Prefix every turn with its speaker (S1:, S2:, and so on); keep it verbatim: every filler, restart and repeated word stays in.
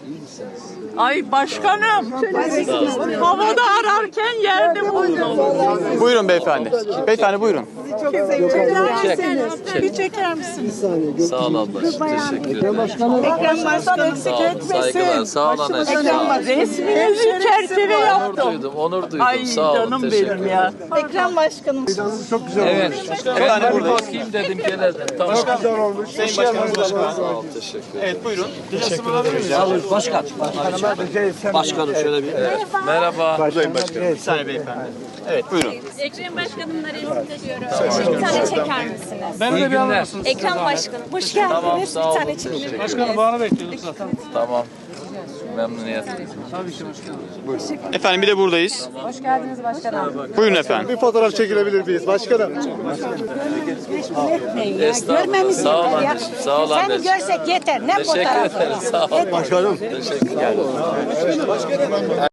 S1: Ay başkanım, havada ararken yerde buldum.
S2: Buyurun beyefendi. Beyefendi buyurun.
S1: Bir çeker misiniz?
S3: Sağ ol ablacığım. Teşekkür ederim.
S1: Ekrem Başkan eksik
S3: Sağ olun. Saygılar. Sağ ol anneciğim. Sağ ol.
S1: Resminizi çerçeve
S3: Onur
S1: yaptım.
S3: duydum. Onur duydum.
S1: Ay
S3: Sağ olun.
S1: canım
S3: Teşekkür
S1: benim
S3: ederim.
S1: ya.
S4: Ekrem Başkanım.
S3: Evet.
S2: Efendim
S3: Ben bir
S2: buradayız.
S3: bakayım dedim gelelim. Tamam.
S2: Sayın Başkanım burada.
S3: Sağ ol. Teşekkür ederim.
S2: Evet buyurun.
S5: Başkan. Başkanım şöyle bir.
S3: Merhaba.
S2: Bir saniye beyefendi. Evet buyurun.
S6: Ekrem Başkanım'la resim ediyorum. Bir tane çeker misiniz?
S3: İyi günler.
S6: Ekrem Başkanım, hoş geldiniz.
S3: Tamam,
S6: Bir
S3: sağ olun.
S6: tane çekelim.
S1: Başkanım bana bekliyorduk zaten.
S3: Tamam. Memnuniyetle.
S2: Efendim bir de buradayız.
S7: Hoş geldiniz başkanım.
S2: Buyurun efendim.
S8: Bir fotoğraf çekilebilir miyiz başkanım?
S3: Estağfurullah. Sağ ol anneciğim. Sağ ol
S7: Seni
S3: anneciğim.
S7: görsek yeter. Ne
S3: Teşekkür
S7: fotoğrafı?
S3: ederim. Sağ ol.
S8: Başkanım.
S3: Teşekkür ederim.